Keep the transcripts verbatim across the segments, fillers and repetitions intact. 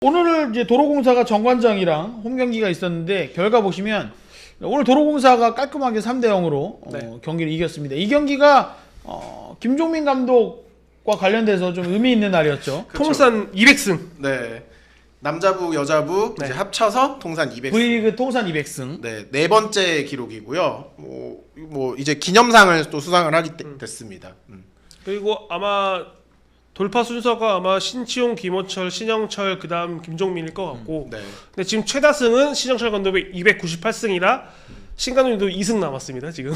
오늘 이제 도로공사가 정관장이랑 홈 경기가 있었는데 결과 보시면 오늘 도로공사가 깔끔하게 삼 대 영으로 네. 어, 경기를 이겼습니다. 이 경기가 어, 김종민 감독과 관련돼서 좀 의미 있는 날이었죠. 그쵸. 통산 이백 승. 네. 남자부 여자부 네. 이제 합쳐서 통산 이백 승. V리그 통산 이백 승. 네, 네 번째 기록이고요. 뭐, 뭐 이제 기념상을 또 수상을 하게 음. 됐습니다. 음. 그리고 아마 돌파 순서가 아마 신치용, 김호철, 신영철, 그다음 김종민일 것 같고. 음, 네. 근데 지금 최다승은 신영철 감독의 이백구십팔 승이라 신 감독님도 이 승 남았습니다 지금.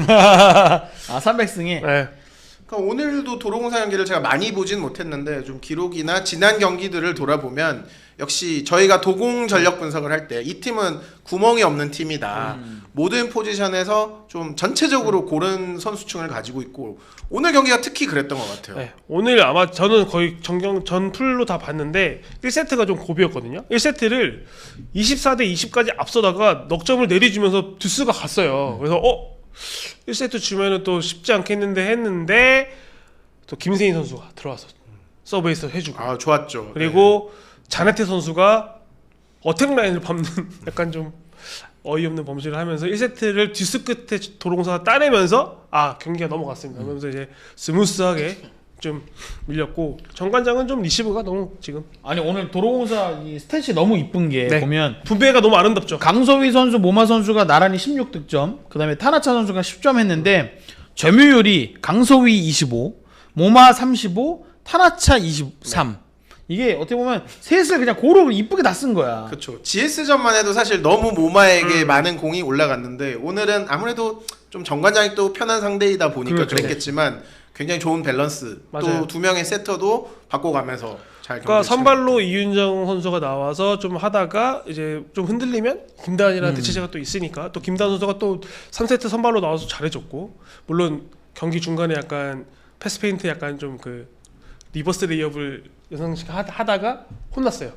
아 삼백 승에. 네. 그러니까 오늘도 도로공사 경기를 제가 많이 보진 못했는데 좀 기록이나 지난 경기들을 돌아보면 역시 저희가 도공 전력 분석을 할 때 이 팀은 구멍이 없는 팀이다. 음. 모든 포지션에서 좀 전체적으로 고른 선수층을 가지고 있고 오늘 경기가 특히 그랬던 것 같아요. 네, 오늘 아마 저는 거의 전경 전 풀로 다 봤는데 일 세트가 좀 고비였거든요. 일 세트를 이십사 대 이십까지 앞서다가 넉점을 내리주면서 듀스가 갔어요. 그래서 어? 일 세트 주면은 또 쉽지 않겠는데 했는데 또 김세인 선수가 들어와서 서브에이스 해주고 아 좋았죠. 그리고 네. 자네테 선수가 어택 라인을 밟는 약간 좀 어이없는 범실을 하면서 일 세트를 듀스 끝에 도로공사가 따내면서 아 경기가 넘어갔습니다. 그러면서 이제 스무스하게 좀 밀렸고 정관장은 좀 리시브가 너무 지금 아니 오늘 도로공사 이 스탯이 너무 이쁜 게 네. 보면 분배가 너무 아름답죠. 강소희 선수, 모마 선수가 나란히 십육 득점, 그 다음에 타나차 선수가 십 점 했는데 점유율이 강소희 이십오, 모마 삼십오, 타나차 이십삼. 이게 어떻게 보면 셋을 그냥 고루 이쁘게 다 쓴 거야. 그렇죠. 지에스전만 해도 사실 너무 모마에게 음. 많은 공이 올라갔는데 오늘은 아무래도 좀 정관장이 또 편한 상대이다 보니까 그렇죠. 그랬겠지만 굉장히 좋은 밸런스. 또 두 명의 세터도 바꿔가면서 잘. 그러니까 선발로 이윤정 선수가 나와서 좀 하다가 이제 좀 흔들리면 김다은이라는 음. 대체제가 또 있으니까 또 김다은 선수가 또 삼 세트 선발로 나와서 잘해줬고 물론 경기 중간에 약간 패스 페인트 약간 좀 그 리버스 레이업을 연상식 하다가 혼났어요.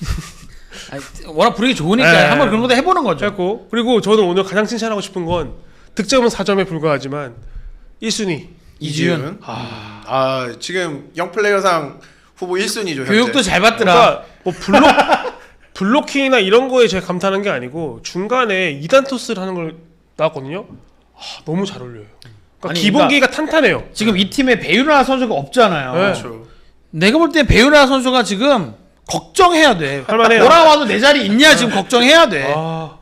아니, 워낙 분위기 좋으니까 네. 한번 그런 것도 해보는 거죠. 그리고, 그리고 저는 오늘 가장 칭찬하고 싶은 건 득점은 사 점에 불과하지만 일 순위 이지윤. 아, 아 지금 영플레이어상 후보 일 순위죠. 교육도 현재. 잘 받더라. 그러니까 뭐 블록 블로킹이나 이런 거에 제가 감탄한 게 아니고 중간에 이 단 토스를 하는 걸 나왔거든요. 아, 너무 잘 어울려요. 그러니까 아니, 기본기가 그러니까 탄탄해요. 지금 이 팀에 배윤아 선수가 없잖아요. 네. 그렇죠. 내가 볼 때 배윤아 선수가 지금 걱정해야 돼. 할만해요. 돌아와도 내 자리 있냐 지금 걱정해야 돼. 아,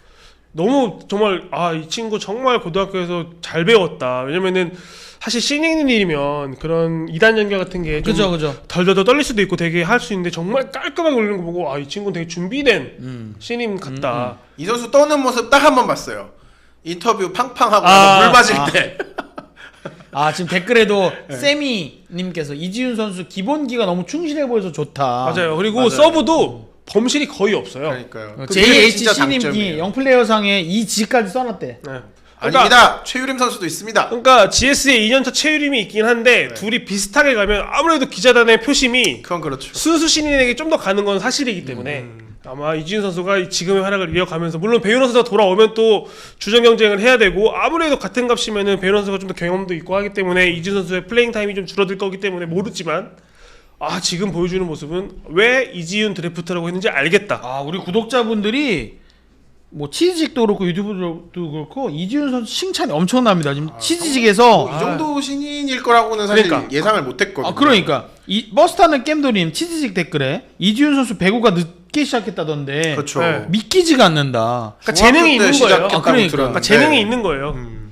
너무 정말 아 이 친구 정말 고등학교에서 잘 배웠다. 왜냐면은 사실 신인이면 그런 이 단 연결 같은 게 좀 덜덜덜 떨릴 수도 있고 되게 할 수 있는데 정말 깔끔하게 올리는 거 보고 아 이 친구는 되게 준비된 음. 신인 같다. 음, 음. 이 선수 떠는 모습 딱 한 번 봤어요. 인터뷰 팡팡하고 아, 물 맞을 아. 때. 아 지금 댓글에도 네. 세미님께서 이지윤 선수 기본기가 너무 충실해 보여서 좋다. 맞아요. 그리고 맞아요. 서브도 범실이 거의 없어요. 그러니까요. 제이에이치씨님이 영플레이어상에 이 지까지 써놨대. 네. 그러니까, 아닙니다. 최유림 선수도 있습니다. 그러니까 지에스의 이 년차 최유림이 있긴 한데 네. 둘이 비슷하게 가면 아무래도 기자단의 표심이 그건 그렇죠. 순수 신인에게 좀 더 가는 건 사실이기 때문에 음. 아마 이지윤 선수가 지금의 활약을 이어가면서 물론 배윤호 선수가 돌아오면 또 주전 경쟁을 해야 되고 아무래도 같은 값이면은 배윤호 선수가 좀 더 경험도 있고 하기 때문에 이지윤 선수의 플레잉 타임이 좀 줄어들 거기 때문에 모르지만 아 지금 보여주는 모습은 왜 이지윤 드래프트라고 했는지 알겠다. 아 우리 구독자분들이 뭐 치즈직도 그렇고 유튜브도 그렇고 이지윤 선수 칭찬이 엄청납니다. 지금 아, 치즈직에서 뭐 이 정도 신인일 거라고는 사실 그러니까. 예상을 못했거든요. 아 그러니까 이 버스타는 겜도님 치즈직 댓글에 이지윤 선수 배구가 늦게 시작했다던데 그렇죠. 네. 믿기지가 않는다. 그러니까 재능이 있는 거예요. 아, 그러니까. 그러니까 재능이 있는 거예요. 음.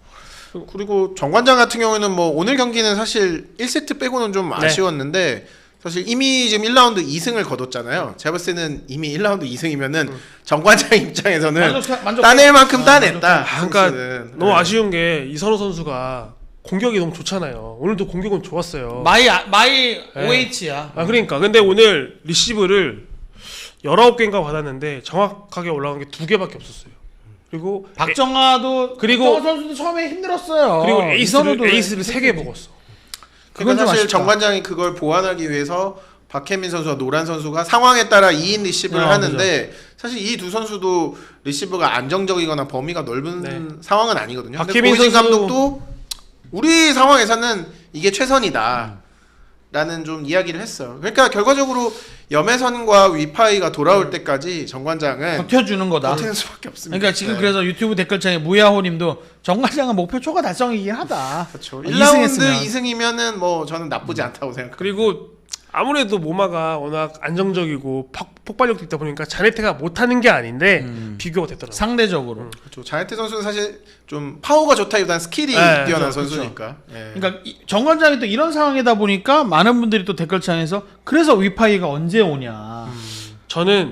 그리고 정관장 같은 경우에는 뭐 오늘 경기는 사실 일 세트 빼고는 좀 네. 아쉬웠는데 사실 이미 지금 일 라운드 이 승을 거뒀잖아요. 제가 봤을 때는 이미 일 라운드 이 승이면은 음. 정관장 입장에서는 만족, 만족, 따낼 만큼 아, 따냈다. 아, 그러니까 너무 아쉬운 게 이선호 선수가 공격이 너무 좋잖아요. 오늘도 공격은 좋았어요. 마이 마이 네. 오에이치야. 아 그러니까 근데 오늘 리시브를 열아홉 개인가 받았는데 정확하게 올라간 게 두 개밖에 없었어요. 그리고 박정아도 그리고 박정아 선수도 처음에 힘들었어요. 그리고 에이스를 에이스를 세 개 먹었어. 그건 사실 정관장이 그걸 보완하기 위해서 박혜민 선수와 노란 선수가 상황에 따라 이 인 리시브를 아, 하는데 그죠. 사실 이 두 선수도 리시브가 안정적이거나 범위가 넓은 네. 상황은 아니거든요. 박혜민 선수 감독도 우리 상황에서는 이게 최선이다. 음. 라는 좀 이야기를 했어요. 그러니까 결과적으로 염혜선과 위파이가 돌아올 음. 때까지 정관장은 버텨주는 거다. 버티는 수밖에 없습니다. 그러니까 지금 네. 그래서 유튜브 댓글창에 무야호님도 정관장은 목표 초과 달성이긴 하다. 그렇죠. 어, 일 라운드 이승했으면. 이승이면은 뭐 저는 나쁘지 않다고 생각합니다. 그리고 아무래도 모마가 워낙 안정적이고 폭, 폭발력도 있다 보니까 자네테가 못하는 게 아닌데 음. 비교가 됐더라고요. 상대적으로. 그렇죠. 자네트 선수는 사실 좀 파워가 좋다기보다는 스킬이 네, 뛰어난 그렇죠, 선수니까. 예. 그러니까 이- 정관장이 또 이런 상황이다 보니까 많은 분들이 또 댓글창에서 그래서 위파이가 언제 오냐. 저는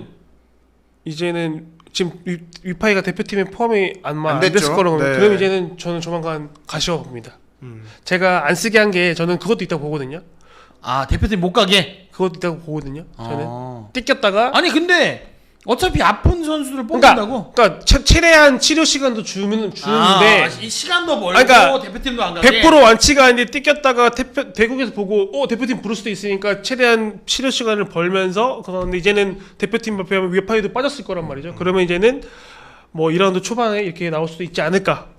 이제는 지금 위, 위파이가 대표팀에 포함이 안, 마- 안 안 됐죠. 됐을 거라고 네. 그럼 이제는 저는 조만간 가시화 봅니다. 음. 제가 안 쓰게 한 게 저는 그것도 있다고 보거든요. 아 대표팀 못 가게. 그것도 있다고 보거든요. 저는 아. 뜯겼다가 아니 근데 어차피 아픈 선수를 그러니까, 뽑는다고. 그러니까 최, 최대한 치료 시간도 주면 주는데 아, 이 시간도 멀고 그러니까 대표팀도 안 가게. 백 퍼센트 완치가 아닌데 뜯겼다가 대표, 대국에서 보고 어 대표팀 부를 수도 있으니까 최대한 치료 시간을 벌면서 그런데 이제는 대표팀 발표하면 위파이도 빠졌을 거란 말이죠. 그러면 이제는 뭐 이 라운드 초반에 이렇게 나올 수도 있지 않을까.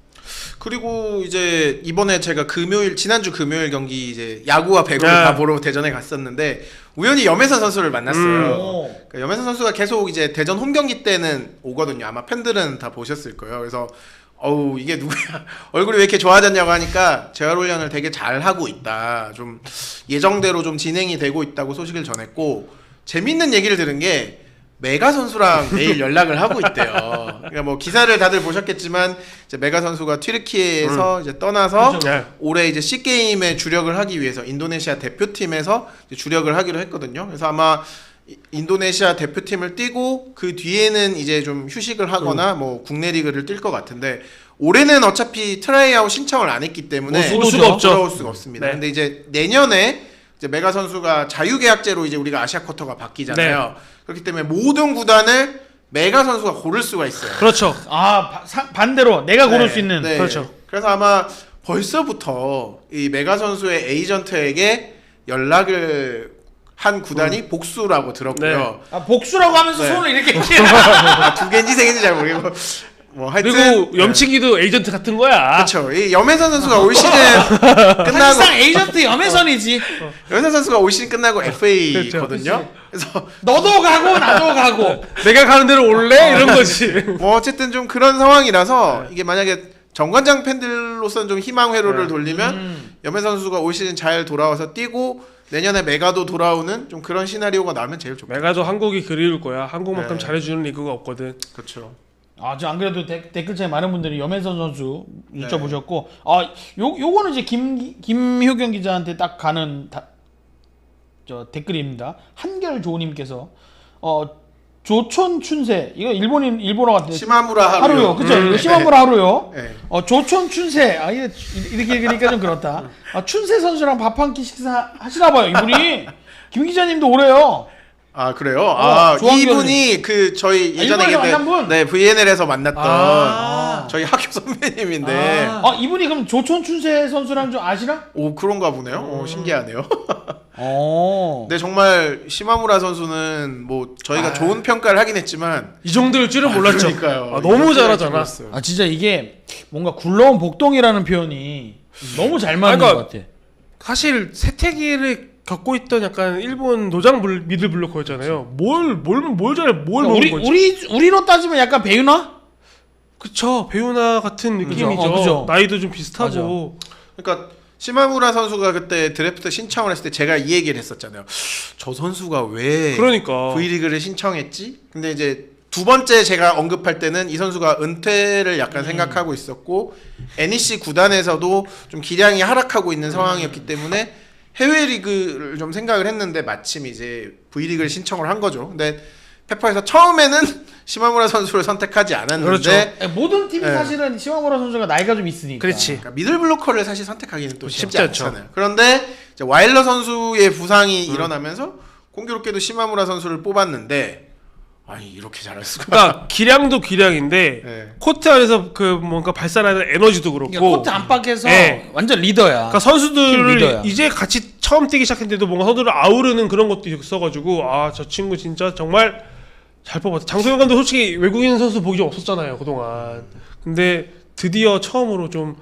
그리고 이제 이번에 제가 금요일 지난주 금요일 경기 이제 야구와 배구를 네. 다 보러 대전에 갔었는데 우연히 염혜선 선수를 만났어요. 음. 오. 그러니까 염혜선 선수가 계속 이제 대전 홈 경기 때는 오거든요. 아마 팬들은 다 보셨을 거예요. 그래서 어우 이게 누구야 얼굴이 왜 이렇게 좋아졌냐고 하니까 재활 훈련을 되게 잘 하고 있다. 좀 예정대로 좀 진행이 되고 있다고 소식을 전했고 재밌는 얘기를 들은 게 메가 선수랑 매일 연락을 하고 있대요. 그러니까 뭐 기사를 다들 보셨겠지만 이제 메가 선수가 튀르키예에서 이제 떠나서 네. 올해 이제 C 게임에 주력을 하기 위해서 인도네시아 대표팀에서 이제 주력을 하기로 했거든요. 그래서 아마 이- 인도네시아 대표팀을 뛰고 그 뒤에는 이제 좀 휴식을 하거나 뭐 국내 리그를 뛸 것 같은데 올해는 어차피 트라이아웃 신청을 안 했기 때문에 올 수가 없죠. 돌아올 수가 없습니다. 네. 근데 이제 내년에 이제 메가 선수가 자유계약제로 이제 우리가 아시아 쿼터가 바뀌잖아요. 그렇기 때문에 모든 구단을 메가 선수가 고를 수가 있어요. 그렇죠. 아 바- 사- 반대로 내가 고를 네, 수 있는. 네. 그렇죠. 그래서 아마 벌써부터 이 메가 선수의 에이전트에게 연락을 한 구단이 복수라고 들었고요. 아, 복수라고 하면서 네. 손을 이렇게 아, 두 개인지 세 개인지 잘 모르겠고 뭐 하여튼 그리고 염치기도 에이전트 같은 거야. 그렇죠. 이 염혜선 선수가 올 시즌 끝나고 사실상 에이전트 염혜선이지. 염혜선 선수가 올 시즌 끝나고 에프에이거든요. 그렇죠. 그래서 너도 가고 나도 가고. 내가 가는 대로 올래? 이런 거지. 뭐 어쨌든 좀 그런 상황이라서 이게 만약에 정관장 팬들로서는 좀 희망 회로를 네. 돌리면 음. 염혜 선수가 올 시즌 잘 돌아와서 뛰고 내년에 메가도 돌아오는 좀 그런 시나리오가 나오면 제일 좋겠죠. 메가도 한국이 그리울 거야. 한국만큼 네. 잘해주는 리그가 없거든. 그렇죠. 아, 저 안 그래도 데, 댓글창에 많은 분들이 염혜선 선수 네. 여쭤보셨고, 아, 요 요거는 이제 김 김효경 기자한테 딱 가는 다, 저 댓글입니다. 한결 조님께서 어 조촌 춘세 이거 일본인 일본어 같은데 시마무라 하루요. 하루요, 그죠? 음, 이거 시마무라 하루요. 네. 어 조촌 춘세 아 이게 이렇게 읽으니까 좀 그렇다. 아, 춘세 선수랑 밥 한 끼 식사 하시나 봐요 이분이. 김 기자님도 오래요. 아 그래요? 아 조항변이. 이분이 그 저희 아, 예전에 일본에서 그때 만난 분? 네 브이엔엘에서 만났던 아. 저희 학교 선배님인데 아 이분이 그럼 조촌 춘세 선수랑 좀 아시나? 오 그런가 보네요. 오, 신기하네요. 어. 근데 정말 시마무라 선수는 뭐 저희가 아. 좋은 평가를 하긴 했지만 이 정도일 줄은 몰랐죠. 그러니까요. 아, 너무 이렇게 잘하잖아. 몰랐어요. 아 진짜 이게 뭔가 굴러온 복동이라는 표현이 너무 잘 맞는 그러니까 것 같아. 사실 세태기를 겪고 있던 약간 일본 노장 불- 미들 블로커였잖아요. 뭘 뭘 뭘 잘해 뭘 그러니까 모르는 우리 거지. 우리 우리로 따지면 약간 배우나? 그쵸 배우나 같은 느낌이죠. 어, 그죠. 나이도 좀 비슷하고. 그러니까 시마무라 선수가 그때 드래프트 신청을 했을 때 제가 이 얘기를 했었잖아요. 저 선수가 왜 그러니까. V리그를 신청했지? 근데 이제 두 번째 제가 언급할 때는 이 선수가 은퇴를 약간 생각하고 있었고 엔이씨 구단에서도 좀 기량이 하락하고 있는 상황이었기 때문에 해외 리그를 좀 생각을 했는데 마침 이제 V리그를 신청을 한 거죠. 근데 페퍼에서 처음에는 시마무라 선수를 선택하지 않았는데 그렇죠. 아니, 모든 팀이 네. 사실은 시마무라 선수가 나이가 좀 있으니까. 그렇지. 그러니까 미들 블로커를 사실 선택하기는 또 쉽지, 쉽지 않죠. 않잖아요. 그런데 이제 와일러 선수의 부상이 일어나면서 공교롭게도 시마무라 선수를 뽑았는데 아니 이렇게 잘할 수가. 그러니까 기량도 기량인데 네. 코트 안에서 그 뭔가 발산하는 에너지도 그렇고. 그러니까 코트 안팎에서 네. 완전 리더야. 그러니까 팀 선수들을 리더야. 이제 같이 처음 뛰기 시작했는데도 뭔가 선수를 아우르는 그런 것도 있어가지고 아 저 친구 진짜 정말 잘 뽑았다. 장소영 감독 솔직히 외국인 선수 보기 좀 없었잖아요 그동안. 근데 드디어 처음으로 좀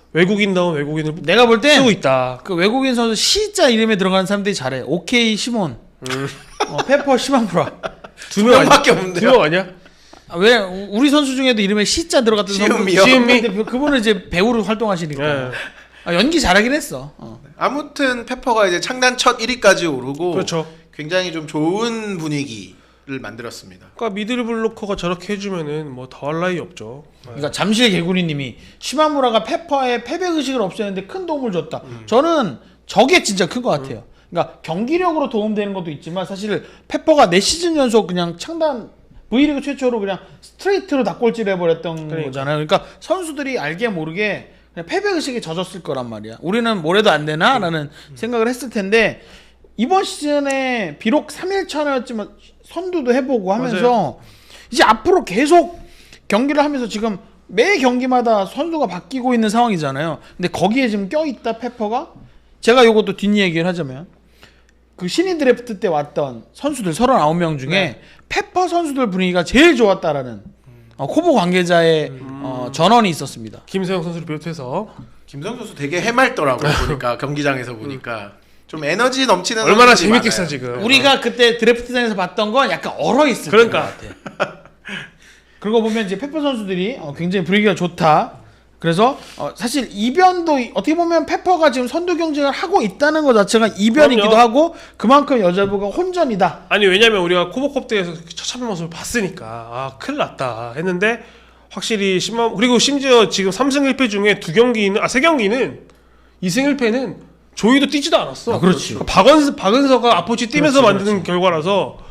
외국인다운 외국인을 내가 볼 때 쓰고 있다. 그 외국인 선수 C자 이름에 들어가는 사람들이 잘해. 오케이 시몬, 음. 어, 페퍼 시마무라. 두 명 명밖에 아니야? 없는데요. 두 명 아니야? 아, 왜 우리 선수 중에도 이름에 C자 들어갔던 시은미요? 시은미? 근데 그분은 이제 배우로 활동하시니까 네. 아, 연기 잘하긴 했어. 어. 아무튼 페퍼가 이제 창단 첫 일 위까지 오르고 그렇죠. 굉장히 좀 좋은 분위기를 만들었습니다. 그러니까 미들 블로커가 저렇게 해주면은 뭐 더할 나위 없죠. 그러니까 잠실 개구리님이 시마무라가 페퍼의 패배 의식을 없애는데 큰 도움을 줬다. 음. 저는 저게 진짜 큰 것 같아요. 그러니까 경기력으로 도움되는 것도 있지만 사실 페퍼가 네 시즌 연속 그냥 창단 V리그 최초로 그냥 스트레이트로 닭골질을 해버렸던 그러니까. 거잖아요. 그러니까 선수들이 알게 모르게 그냥 패배 의식에 젖었을 거란 말이야. 우리는 뭐래도 안 되나라는 음. 생각을 했을 텐데 이번 시즌에 비록 삼 일 차였지만 선두도 해보고 하면서 맞아요. 이제 앞으로 계속 경기를 하면서 지금 매 경기마다 선수가 바뀌고 있는 상황이잖아요. 근데 거기에 지금 껴있다 페퍼가 제가 요것도 뒷얘기를 하자면 그 신인 드래프트 때 왔던 선수들 서른아홉 명 중에 네. 페퍼 선수들 분위기가 제일 좋았다라는 어, 코보 관계자의 어, 전언이 있었습니다. 김세영 선수를 비롯해서 김성 선수 되게 해맑더라고요. 보니까 경기장에서 보니까 좀 에너지 넘치는 얼마나 선수들이 재밌겠어 많아요. 지금. 우리가 그때 드래프트장에서 봤던 건 약간 얼어 있을 그러니까. 것 같아. 그러고 보면 이제 페퍼 선수들이 어, 굉장히 분위기가 좋다. 그래서 어, 사실 이변도 어떻게 보면 페퍼가 지금 선두 경쟁을 하고 있다는 것 자체가 이변이기도 그럼요. 하고 그만큼 여자부가 혼전이다. 아니 왜냐면 우리가 코보컵 대회에서 처참한 모습을 봤으니까 아 큰일 났다 했는데 확실히 심한 그리고 심지어 지금 삼 승 일 패 중에 두 경기는 아 세 경기는 이 승 일 패는 조이도 뛰지도 않았어. 아, 그렇지. 그러니까 박은서 박은서가 아포치 뛰면서 그렇지, 만드는 결과라서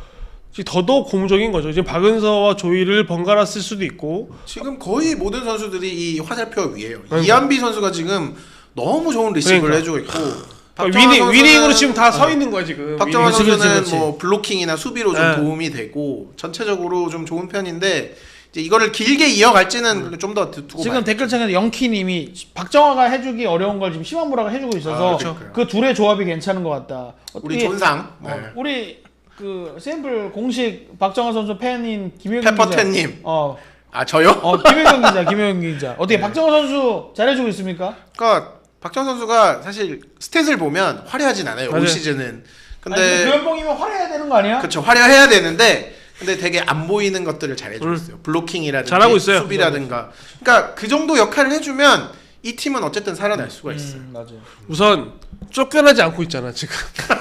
더더욱 고무적인 거죠. 지금 박은서와 조이를 번갈아 쓸 수도 있고 지금 거의 모든 선수들이 이 화살표 위에요. 그러니까. 이한비 선수가 지금 너무 좋은 리시브를 그러니까. 해주고 있고 그러니까 박정환 위닝 선수는- 위닝으로 지금 다 서 있는 거야 지금. 박정환 그렇지, 선수는 그렇지, 그렇지. 뭐 블로킹이나 수비로 좀 네. 도움이 되고 전체적으로 좀 좋은 편인데 이제 이거를 길게 이어갈지는 좀 더 두고 지금 봐요. 댓글창에서 영키님이 박정화가 해주기 어려운 걸 지금 시마무라가 해주고 있어서 아, 그렇죠. 그 둘의 조합이 괜찮은 것 같다. 우리 어떻게- 존상 네. 어, 우리 그 샘플 공식 박정화 선수 팬인 김효경 기자. 페퍼텐님. 어, 아 저요? 어 김효경 기자, 김효경 기자. 어떻게 박정화 선수 잘해주고 있습니까? 그러니까 박정 선수가 사실 스탯을 보면 화려하진 않아요. 맞아요. 올 시즌은. 근데 근데 그 연봉이면 화려해야 되는 거 아니야? 그렇죠. 화려해야 되는데 근데 되게 안 보이는 것들을 잘 해주고 있어요. 블로킹이라든지 잘하고 있어요. 수비라든가. 그러니까 그 정도 역할을 해주면 이 팀은 어쨌든 살아날 수가 있어요. 음, 맞아요. 우선 쫓겨나지 않고 있잖아 지금.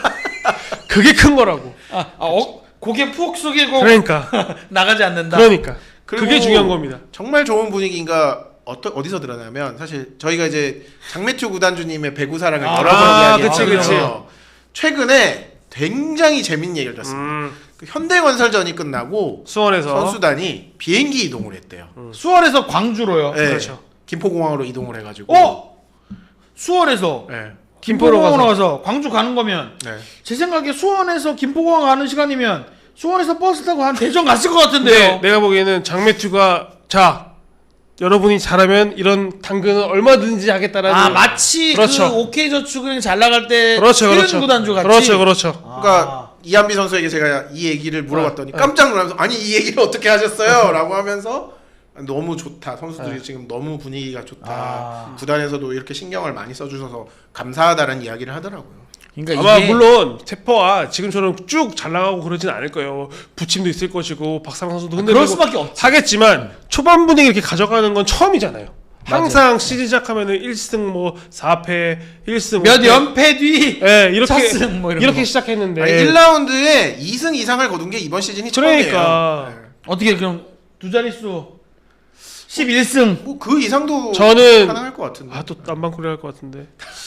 그게 큰 거라고. 아, 아 어, 고개 푹 숙이고 그러니까. 나가지 않는다. 그러니까. 그리고 그게 중요한 겁니다. 정말 좋은 분위기인가 어떠, 어디서 드러나면 사실 저희가 이제 장매튜 구단주님의 배구 사랑을 아, 여러 번 아, 이야기했잖아요. 그치, 그치. 최근에 굉장히 재밌는 얘기를 들었습니다. 음, 그 현대건설전이 끝나고 수원에서 선수단이 비행기 이동을 했대요. 수월에서 광주로요. 네, 그렇죠. 김포공항으로 이동을 해가지고. 어? 수월에서 네, 김포로 김포공항으로 가서. 가서 광주 가는 거면 네. 제 생각에 수원에서 김포공항 가는 시간이면 수원에서 버스 타고 한 대전 갔을 것 같은데요. 근데 내가 보기에는 장매튜가 자 여러분이 잘하면 이런 당근은 얼마든지 하겠다라는. 아 마치 그렇죠. 그 오케이저축은행 잘 나갈 때 그렇죠, 그렇죠. 그렇죠. 구단주 같이. 그렇죠, 그렇죠. 아. 그러니까 이한비 선수에게 제가 이 얘기를 물어봤더니 네. 깜짝 놀라면서 아니 이 얘기를 어떻게 하셨어요? 라고 하면서 너무 좋다. 선수들이 네. 지금 너무 분위기가 좋다. 아. 구단에서도 이렇게 신경을 많이 써주셔서 감사하다는 이야기를 하더라고요. 그러니까 아마 이게 물론 테퍼와 지금처럼 쭉 잘 나가고 그러진 않을 거예요. 부침도 있을 것이고 박상환 선수도 아, 흔들리고 그럴 수밖에 없지. 하겠지만 초반 분위기 이렇게 가져가는 건 처음이잖아요. 항상 시즌 시작하면은 일 승 뭐 사 패, 일 승 몇 연패 뒤 예, 이렇게 첫 승 뭐 이런 이렇게 거. 시작했는데 아니, 일 라운드에 이 승 이상을 거둔 게 이번 시즌이 그러니까. 처음이에요. 어떻게 그럼 두 자릿수 십일 승. 뭐그 이상도 저는 가능할 것 같은데. 아 또 딴방코리 할 것 같은데.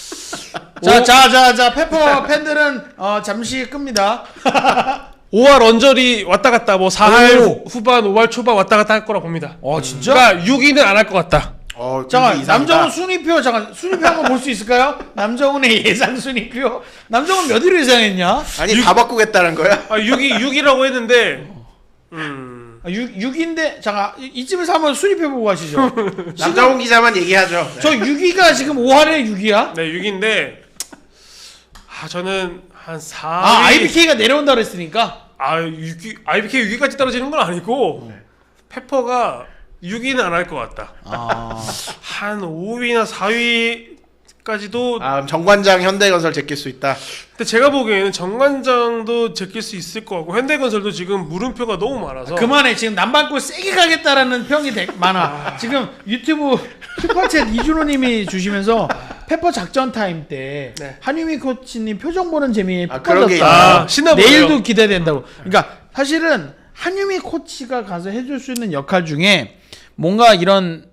자, 자, 자, 자, 페퍼 팬들은 어, 잠시 끕니다. 오할 언저리 왔다 갔다 뭐 사할 오. 후반 오할 초반 왔다 갔다 할 거라 봅니다. 어, 진짜? 그러니까 육 위는 안 할 것 같다. 어, 잠깐, 이상이다. 남정훈 순위표, 잠깐, 순위표 한번 볼 수 있을까요? 남정훈의 예상 순위표. 남정훈 몇 위로 예상했냐? 아니 다 바꾸겠다는 거야? 아 육 위 육 위라고 했는데 음. 아, 육, 육인데, 잠깐, 이- 이쯤에서 한번 순위표 보고 가시죠. 남정훈 기자만 얘기하죠. 네. 저 육 위가 지금 오 할에 육 위야? 네, 육 위인데 아 저는 한 사 위. 아, 아이비케이가 내려온다 그랬으니까. 아, 육 위 아이비케이 육 위까지 떨어지는 건 아니고 페퍼가 육 위는 안 할 것 같다. 아. 한 오 위나 사 위까지도. 아, 정관장 현대건설 제낄 수 있다. 근데 제가 보기에는 정관장도 제낄 수 있을 것 같고 현대건설도 지금 물음표가 너무 많아서. 그만해. 지금 남반골 세게 가겠다라는 평이 되, 많아. 지금 유튜브 슈퍼챗 이준호님이 주시면서 페퍼 작전 타임 때 네. 한유미 코치님 표정 보는 재미에 아, 푹 그런 게 빠졌다. 아, 신나 보여요. 내일도 기대된다고. 그러니까 사실은 한유미 코치가 가서 해줄 수 있는 역할 중에 뭔가 이런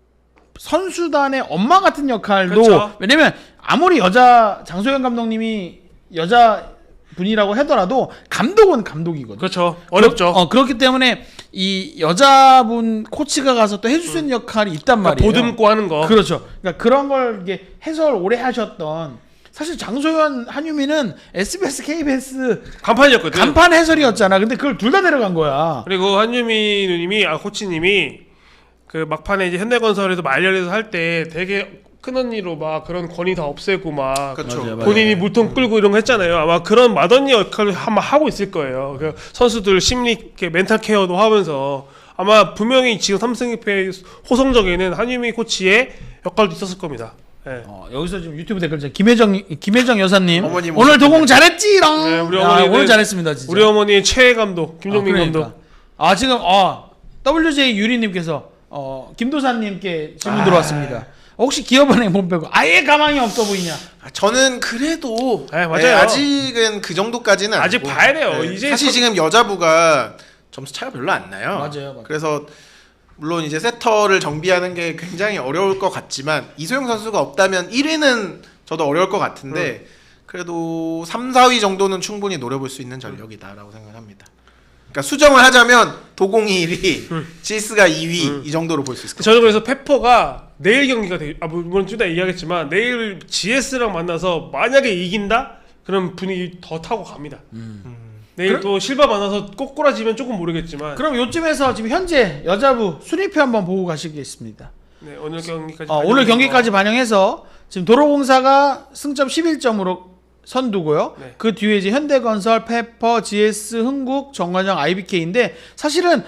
선수단의 엄마 같은 역할도 그렇죠. 왜냐면 아무리 여자 장소영 감독님이 여자 분이라고 하더라도 감독은 감독이거든. 그렇죠. 어렵죠. 어, 그렇기 때문에 이 여자분 코치가 가서 또 해줄 수 있는 역할이 있단 그러니까 말이에요. 보듬고 하는 거. 그렇죠. 그러니까 그런 걸 이게 해설 오래 하셨던 사실 장소연 한유미는 에스비에스 케이비에스 간판이었거든. 간판 해설이었잖아. 근데 그걸 둘 다 데려간 거야. 그리고 한유미 누님이 아 코치님이 그 막판에 이제 현대건설에서 말년에서 할 때 되게 큰 언니로 막 그런 권위 다 없애고 막 그렇죠. 맞아요, 맞아요. 본인이 물통 끌고 이런 거 했잖아요. 아마 그런 맏언니 역할을 아마 하고 있을 거예요. 그 선수들 심리 이렇게 멘탈 케어도 하면서 아마 분명히 지금 삼승 이 패 호성적에는 한유미 코치의 역할도 있었을 겁니다. 네. 어, 여기서 지금 유튜브 댓글 중 김혜정 김혜정 여사님 어머님 오늘 오셨는데. 도공 잘했지롱. 네, 우리 야, 어머니는- 오늘 잘했습니다 진짜. 우리 어머니의 최애 감독 김종민 아, 그러니까. 감독. 아 지금 어 더블유제이 유리님께서 어 김도사님께 질문 아. 들어왔습니다. 혹시 기업은행 본 빼고 아예 가망이 없어 보이냐? 아, 저는 그래도 네, 맞아요. 네, 아직은 그 정도까지는 아직 아니고. 봐야 돼요. 네, 이제 사실 선- 지금 여자부가 점수 차가 별로 안 나요. 맞아요, 맞아요. 그래서 물론 이제 세터를 정비하는 게 굉장히 어려울 것 같지만 이소영 선수가 없다면 일 위는 저도 어려울 것 같은데 음. 그래도 삼, 사 위 정도는 충분히 노려볼 수 있는 전력이다라고 생각합니다. 그러니까 수정을 하자면 도공이 일 위, 음. 지스가 이 위 이 정도로 볼 수 있을 것 저는 그래서 페퍼가 내일 경기가 되게 아 물론 좀 이따 얘기하겠지만 내일 지에스랑 만나서 만약에 이긴다? 그럼 분위기 더 타고 갑니다. 내일 그럼- 또 실바 만나서 꼬꾸라지면 조금 모르겠지만 그럼 요쯤에서 지금 현재 여자부 순위표 한번 보고 가시겠습니다. 네, 오늘 경기까지 어, 오늘 경기까지 반영해서 지금 도로공사가 승점 십일 점으로 선두고요. 네. 그 뒤에 이제 현대건설, 페퍼, 지에스, 흥국, 정관장, 아이비케이인데 사실은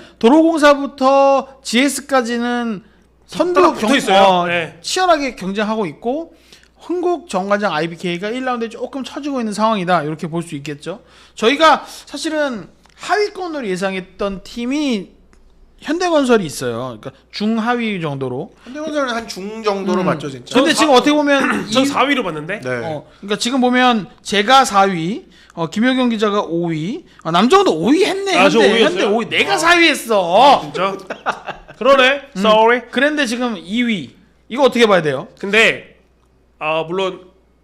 도로공사부터 지에스까지는 선두 딱 붙어 있어요. 어, 네. 치열하게 경쟁하고 있고 흥국, 정관장, 아이비케이가 일 라운드에 조금 처지고 있는 상황이다. 이렇게 볼 수 있겠죠. 저희가 사실은 하위권으로 예상했던 팀이 현대건설이 있어요. 그러니까 중하위 정도로. 현대건설은 한 중 정도로 음. 맞죠 진짜. 근데 저 지금 사- 어떻게 보면 전 이- 사 위로 봤는데 네. 어, 그러니까 지금 보면 제가 사 위, 어, 김효경 기자가 오 위, 아, 남정도 오 위 했네. 아, 저 현대, 오 위였어요? 현대 오 위. 내가 사 위 했어. 진짜 그러네. 음. Sorry. 그런데 지금 이 위. 이거 어떻게 봐야 돼요? 근데 아 물론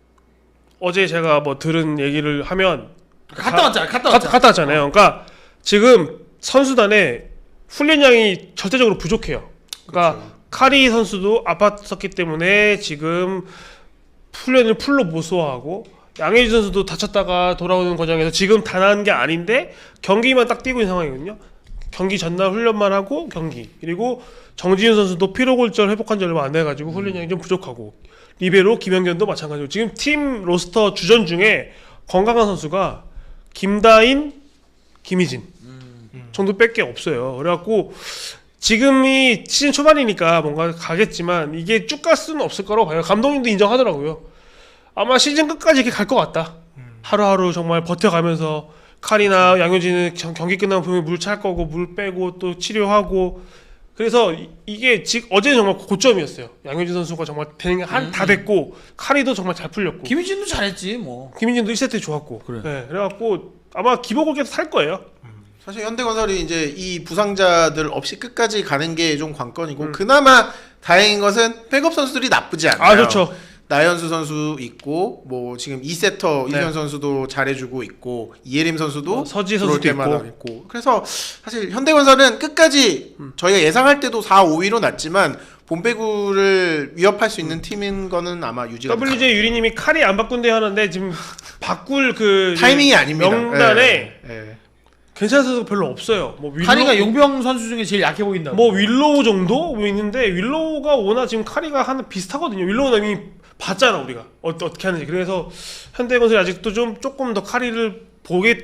어제 제가 뭐 들은 얘기를 하면 갔다 왔잖아. 갔다 가- 왔잖아. 갔다 왔잖아요. 그러니까 지금 선수단에 훈련량이 절대적으로 부족해요. 그러니까 그렇죠. 카리 선수도 아팠었기 때문에 지금 훈련을 풀로 못 소화하고 양혜지 선수도 다쳤다가 돌아오는 과정에서 지금 다 나은 게 아닌데 경기만 딱 뛰고 있는 상황이거든요. 경기 전날 훈련만 하고 경기 그리고 정지윤 선수도 피로골절 회복한 지 얼마 안 돼가지고 훈련량이 좀 부족하고 리베로 김연견도 마찬가지고 지금 팀 로스터 주전 중에 건강한 선수가 김다인, 김희진 정도밖에 없어요. 그래갖고 지금이 시즌 초반이니까 뭔가 가겠지만 이게 쭉 갈 수는 없을 거라고 봐요. 감독님도 인정하더라고요. 아마 시즌 끝까지 이렇게 갈 것 같다. 하루하루 정말 버텨가면서 칼이나 양효진은 경- 경기 끝나면 분명히 물 찰 거고 물 빼고 또 치료하고 그래서 이, 이게 지, 어제는 정말 고점이었어요. 양효진 선수가 정말 되는 게 한 다 됐고 칼이도 정말 잘 풀렸고 김희진도 잘했지 뭐. 김민진도 일 세트 좋았고 그래. 네, 그래갖고 아마 기복을 계속 살 거예요. 사실 현대건설이 이제 이 부상자들 없이 끝까지 가는 게 좀 관건이고 음. 그나마 다행인 것은 백업 선수들이 나쁘지 않아요. 아 좋죠. 나연수 선수 있고 뭐 지금 이 세터 네. 이수현 선수도 잘해주고 있고 이예림 선수도 어, 서지 들어올 선수도 때마다 있고. 있고 그래서 사실 현대건설은 끝까지 음. 저희가 예상할 때도 사, 오 위로 났지만 본배구를 위협할 수 있는 팀인 거는 아마 유지가 더블유제이 유리님이 칼이 안 바꾼대 하는데 지금 바꿀 그 타이밍이 아닙니다. 명단에 예, 예. 괜찮은 선수가 별로 없어요. 뭐 윌로우, 카리가 용병 선수 중에 제일 약해 보인다. 뭐 윌로우 정도 뭐 있는데 윌로우가 워낙 지금 카리가 하나 비슷하거든요. 윌로우는 이미 봤잖아 우리가 어, 어떻게 하는지. 그래서 현대건설이 아직도 좀 조금 더 카리를 보겠다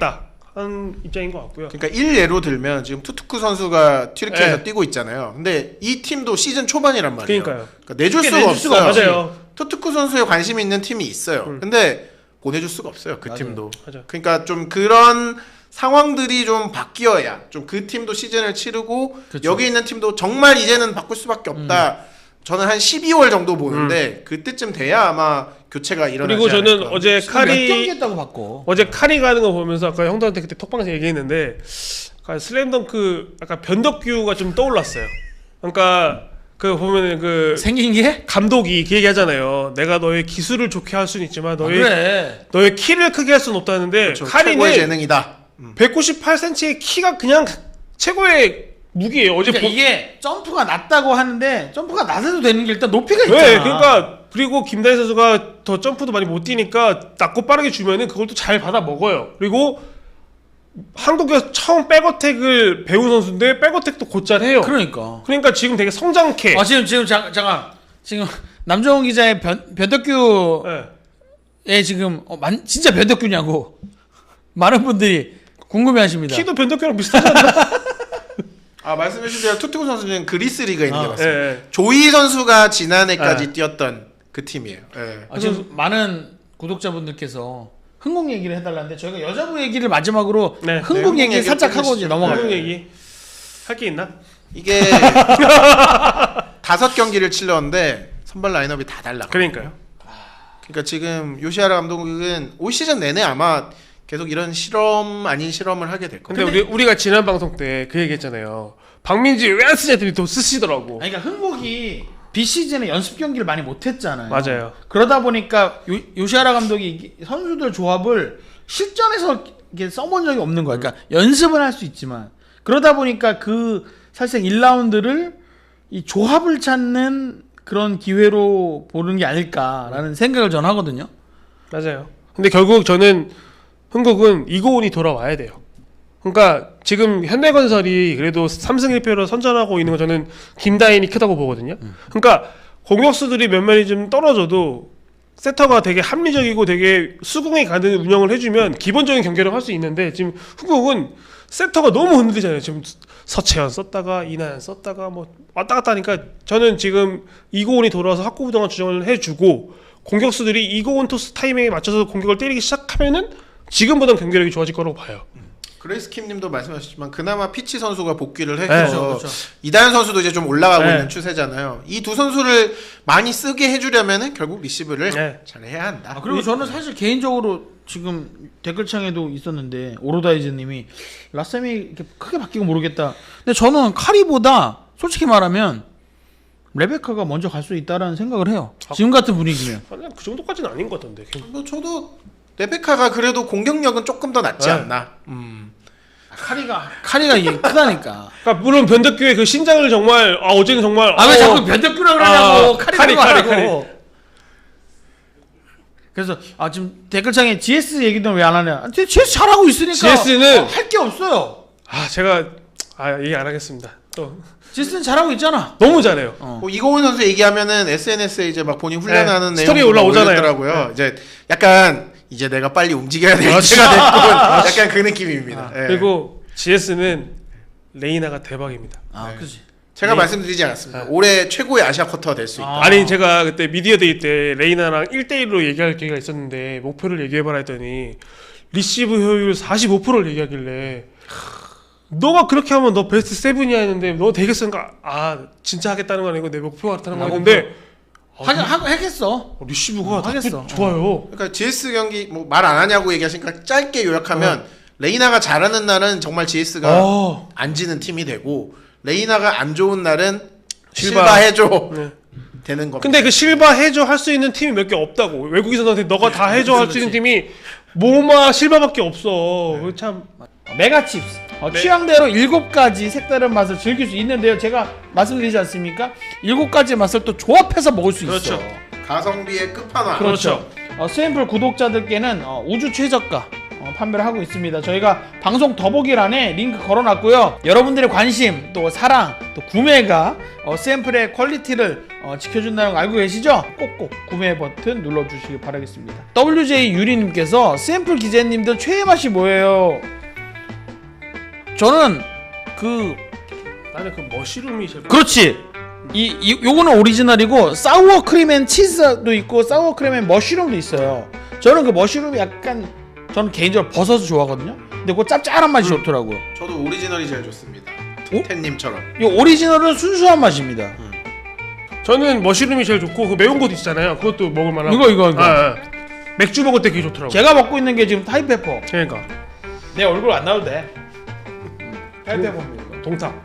한 입장인 것 같고요. 그러니까 일례로 들면 지금 투투쿠 선수가 튀르키에서 네. 뛰고 있잖아요. 근데 이 팀도 시즌 초반이란 말이에요. 그러니까요. 그러니까 내줄 수가 내줄 없어요. 수가 맞아요. 투투쿠 선수에 관심이 있는 팀이 있어요. 음. 근데 보내줄 수가 없어요. 그 맞아요. 팀도. 맞아요. 그러니까 좀 그런 상황들이 좀 바뀌어야 좀 그 팀도 시즌을 치르고 그쵸. 여기 있는 팀도 정말 이제는 바꿀 수밖에 없다. 음. 저는 한 십이월 정도 보는데 그때쯤 돼야 아마 교체가 일어나지 그리고 저는 않을까. 어제 지금 몇 경기 카리 했다고 바꿔. 어제 카리 가는 거 보면서 아까 형들한테 그때 톡방에서 얘기했는데 약간 슬램덩크 약간 변덕규가 좀 떠올랐어요. 그러니까 그 보면은 그 생긴 게? 감독이 그 얘기하잖아요. 내가 너의 기술을 좋게 할 수는 있지만 아, 너의 그래. 너의 키를 크게 할 수는 없다는데 그렇죠. 카리는 최고의 재능이다. 음. 백구십팔 센티미터의 키가 그냥 최고의 무기예요. 어제 그러니까 보... 이게 점프가 낮다고 하는데 점프가 낮아도 되는 게 일단 높이가 있잖아. 네, 그러니까 그리고 김다희 선수가 더 점프도 많이 못 뛰니까 낮고 빠르게 주면은 그걸 또 잘 받아 먹어요. 그리고 한국에서 처음 백어택을 배운 선수인데 백어택도 곧잘 해요. 그러니까. 그러니까 지금 되게 성장케. 아 지금 지금 잠, 잠깐 지금 남정훈 기자의 변 변덕규의 네. 지금 어, 만, 진짜 변덕규냐고 많은 분들이 궁금해하십니다. 키도 변덕규랑 비슷하잖아. 아 말씀해주신 대로 투투쿠 선수는 그리스 리그에 있는 게 아, 맞습니다. 예, 예. 조이 선수가 지난해까지 네. 뛰었던 그 팀이에요. 예. 아, 지금 많은 구독자분들께서 흥국 얘기를 해달라는데 저희가 여자부 얘기를 마지막으로 네, 흥국 네, 흥국 얘기 얘기를 살짝 하고 끝내시죠. 이제 넘어가요. 한국 얘기 할 게 있나? 이게 다섯 경기를 치렀는데 선발 라인업이 다 달라. 그러니까요. 그러니까 지금 요시하라 감독은 올 시즌 내내 아마 계속 이런 실험 아닌 실험을 하게 될 거예요. 근데, 우리 우리가 지난 방송 때 그 얘기했잖아요. 박민지 왜 안 쓰냐 했더니 또 쓰시더라고. 아니, 그러니까 흥국이 비시즌에 연습 경기를 많이 못했잖아요. 맞아요. 그러다 보니까 요, 요시하라 감독이 이 선수들 조합을 실전에서 이렇게 써본 적이 없는 거야. 그러니까 연습은 할 수 있지만 그러다 보니까 그 사실상 일 라운드를 이 조합을 찾는 그런 기회로 보는 게 아닐까라는 생각을 전 하거든요. 맞아요. 근데 결국 저는 흥국은 이고은이 돌아와야 돼요. 그러니까 지금 현대건설이 그래도 삼 승 일 패로 선전하고 있는 거 저는 김다인이 크다고 보거든요. 그러니까 공격수들이 몇몇이 좀 떨어져도 세터가 되게 합리적이고 되게 수긍이 가는 운영을 해주면 기본적인 경기를 할 수 있는데 지금 흥국은 세터가 너무 흔들리잖아요. 지금 서채연 썼다가 이나연 썼다가 뭐 왔다 갔다 하니까 저는 지금 이고은이 돌아와서 확고부동한 주정을 해주고 공격수들이 이고은 토스 타이밍에 맞춰서 공격을 때리기 시작하면은 지금보다는 경기력이 좋아질 거라고 봐요. 그레이스 킴님도 말씀하셨지만 그나마 피치 선수가 복귀를 네, 해서 그렇죠, 그렇죠. 이다현 선수도 이제 좀 올라가고 네. 있는 추세잖아요. 이 두 선수를 많이 쓰게 해주려면은 결국 리시브를 네. 잘 해야 한다. 아, 그리고 저는 사실 개인적으로 지금 댓글창에도 있었는데 오로다이즈님이 라셈이 이렇게 크게 바뀌고 모르겠다. 근데 저는 카리보다 솔직히 말하면 레베카가 먼저 갈 수 있다라는 생각을 해요. 지금 같은 분위기면. 아니, 그 정도까지는 아닌 것 같던데. 뭐 저도 레베카가 그래도 공격력은 조금 더 낫지 네. 않나. 음. 카리가 카리가 이게 크다니까. 그러니까 물론 변덕규의 그 신장을 정말 아 어제는 정말 아 왜 어, 자꾸 변덕규라 그러냐고. 아, 카리 카리, 카리 카리, 하고. 그래서 아 지금 댓글창에 지에스 얘기도 왜 안 하냐. 아, 지에스 잘하고 있으니까 지에스는 할 게 없어요. 아 제가 아 얘기 안 하겠습니다. 또 지에스는 잘하고 있잖아. 너무 잘해요. 어. 뭐 이고은 선수 얘기하면은 에스엔에스에 이제 막 본인 훈련하는 네, 내용 스토리에 올라오잖아요. 올렸더라고요. 네. 이제 약간 이제 내가 빨리 움직여야 될 그렇죠. 때가 됐군. 약간 그 느낌입니다. 아, 예. 그리고 지에스는 레이나가 대박입니다. 아 네. 그지. 제가 네. 말씀드리지 않았습니다. 아. 올해 최고의 아시아 쿼터가 될 수 있다. 아. 아니 제가 그때 미디어데이 때 레이나랑 일 대 일로 얘기할 기회가 있었는데 목표를 얘기해봐라 했더니 리시브 효율 사십오 퍼센트를 얘기하길래 너가 그렇게 하면 너 베스트 세븐이야 했는데 너 되겠으니까 아 진짜 하겠다는 건 아니고 내 목표가 그렇다는 나 거였는데 아, 하긴 하- 하겠어. 어, 리시브가 어, 나쁘- 하겠어. 좋아요. 그러니까 지에스 경기 뭐 말 안 하냐고 얘기하시니까 짧게 요약하면 레이나가 잘하는 날은 정말 지에스가 어. 안 지는 팀이 되고 레이나가 안 좋은 날은 실바. 실바 해줘 네. 되는 겁니다. 근데 그 실바 해줘 할 수 있는 팀이 몇 개 없다고. 외국인 선수한테 너가 다 해줘 할 수 있는 팀이 모마 실바밖에 없어. 네. 참 메가칩스. 어, 네. 취향대로 일곱 가지 색다른 맛을 즐길 수 있는데요. 제가 말씀드리지 않습니까? 일곱 가지 맛을 또 조합해서 먹을 수 그렇죠. 있어. 가성비의 끝판왕. 그렇죠. 어, 스앰플 구독자들께는 어, 우주 최저가 어, 판매를 하고 있습니다. 저희가 방송 더보기란에 링크 걸어놨고요. 여러분들의 관심, 또 사랑, 또 구매가 어, 스앰플의 퀄리티를 어, 지켜준다는 거 알고 계시죠? 꼭꼭 구매 버튼 눌러주시기 바라겠습니다. 더블유제이 유리님께서 스앰플 기자님들 최애 맛이 뭐예요? 저는 그 나는 그 머시룸이 제일 그렇지. 이, 이 요거는 오리지널이고 사워 크림 앤 치즈도 있고 사워 크림 앤 머쉬룸도 있어요. 저는 그 머쉬룸이 약간 저는 개인적으로 버섯을 좋아하거든요. 근데 그 짭짤한 맛이 좋더라고요. 저도 오리지널이 제일 좋습니다. 오? 텐님처럼. 이 오리지널은 순수한 맛입니다. 저는 머시룸이 제일 좋고 그 매운 것도 있잖아요. 그것도 먹을 만하고. 이거 이거 이거. 아, 아. 맥주 먹을 때 그게 좋더라고. 제가 먹고 있는 게 지금 타이페퍼. 그러니까 내 얼굴 안 나와도 돼. 타이페퍼입니다. 동탁.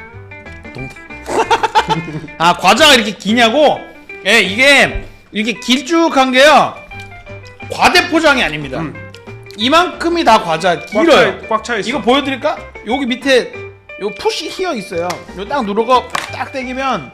아 과자가 이렇게 기냐고? 예 이게 이렇게 길쭉한 게요 과대 포장이 아닙니다. 음. 이만큼이 다 과자 길어요. 꽉 차 있어. 이거 보여드릴까? 여기 밑에 요 푸시 히어 있어요. 요 딱 누르고 딱 당기면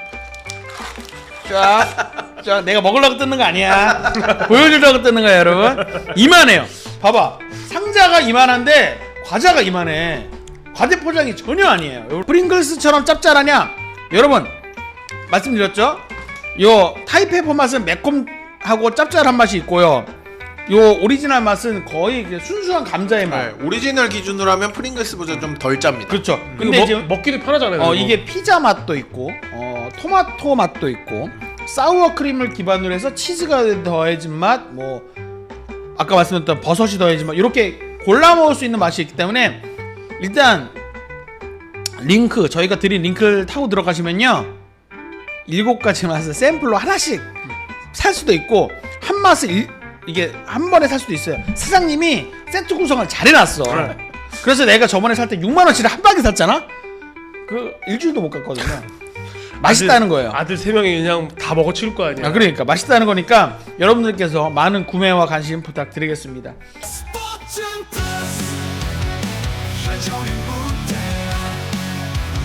쫙, 쫙 내가 먹으려고 뜯는 거 아니야. 보여주려고 뜯는 거야 여러분. 이만해요. 봐봐 상자가 이만한데 과자가 이만해. 과대 포장이 전혀 아니에요. 요 프링글스처럼 짭짤하냐? 여러분 말씀드렸죠? 요 타이페퍼 맛은 매콤하고 짭짤한 맛이 있고요. 요 오리지널 맛은 거의 그냥 순수한 감자의 맛. 네, 오리지널 기준으로 하면 프링글스보다 좀 덜 짭니다. 그렇죠. 근데 근데 먹, 지금 먹기도 편하잖아요. 어 이거. 이게 피자 맛도 있고 어 토마토 맛도 있고 사우어 크림을 기반으로 해서 치즈가 더해진 맛, 뭐 아까 말씀드렸던 버섯이 더해진 맛 이렇게 골라 먹을 수 있는 맛이 있기 때문에 일단 링크 저희가 드린 링크를 타고 들어가시면요 일곱 가지 맛을 샘플로 하나씩 살 수도 있고 한 맛을 일, 이게 한 번에 살 수도 있어요. 사장님이 세트 구성을 잘 해놨어. 네. 그래서 내가 저번에 살 때 육만 원치를 한 방에 샀잖아. 그 일주일도 못 갔거든요. 맛있다는 거예요. 아들 세 명이 그냥 다 먹어 치울 거 아니야. 아, 그러니까 맛있다는 거니까 여러분들께서 많은 구매와 관심 부탁드리겠습니다. 스포츠 플러스 최종의 무대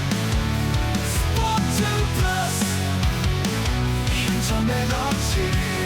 스포츠 플러스 인터넷 없이